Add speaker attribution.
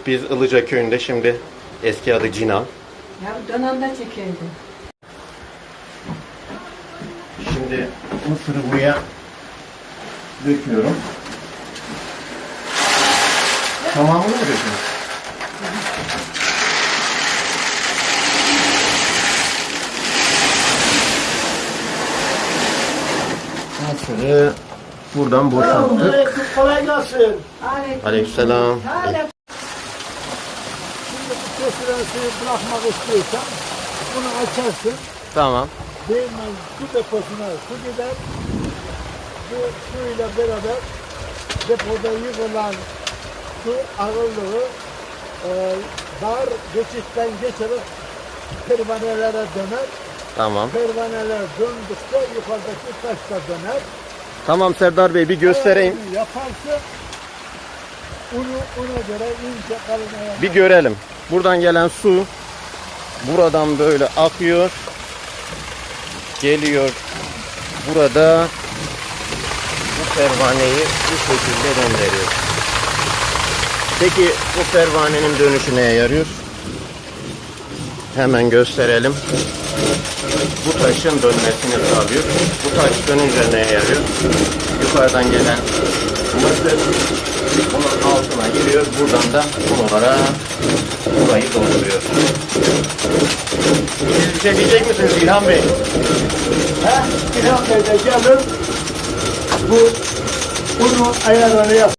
Speaker 1: Biz Ilıca köyünde, şimdi eski adı Cina.
Speaker 2: Ya dönemde çekildi.
Speaker 1: Şimdi mısırı buraya döküyorum. Tamamını mı döküyorsun? Mısırı buradan boşalttık.
Speaker 3: Kolay gelsin.
Speaker 1: Aleykümselam.
Speaker 3: Şimdi bu kesilen suyu bırakmak istiyorsan bunu açarsın.
Speaker 1: Tamam.
Speaker 3: Değirmen su deposuna su gider. Bu suyla beraber depoda yığılan su ağırlığı dar geçitten geçerek pervanelere döner.
Speaker 1: Tamam.
Speaker 3: Pervaneler döndükçe yukarıdaki taş da döner.
Speaker 1: Tamam Serdar Bey, bir göstereyim.
Speaker 3: Eğer bunu yaparsa ona göre ince kalın ayarlar.
Speaker 1: Bir görelim. Buradan gelen su buradan böyle akıyor. Geliyor. Burada bu pervaneyi bu şekilde döndürüyor. Peki bu pervanenin dönüşü neye yarıyor? Hemen gösterelim. Bu taşın dönmesini sağlıyor. Bu taş dönünce neye yarıyor? Yukarıdan gelen mısır bunun altına giriyor. Buradan da bunlara burayı dolduruyor. Siz bir şey diyecek misiniz İlhan Bey?
Speaker 3: İlhan Bey de gelir bu bunu ayarları yap.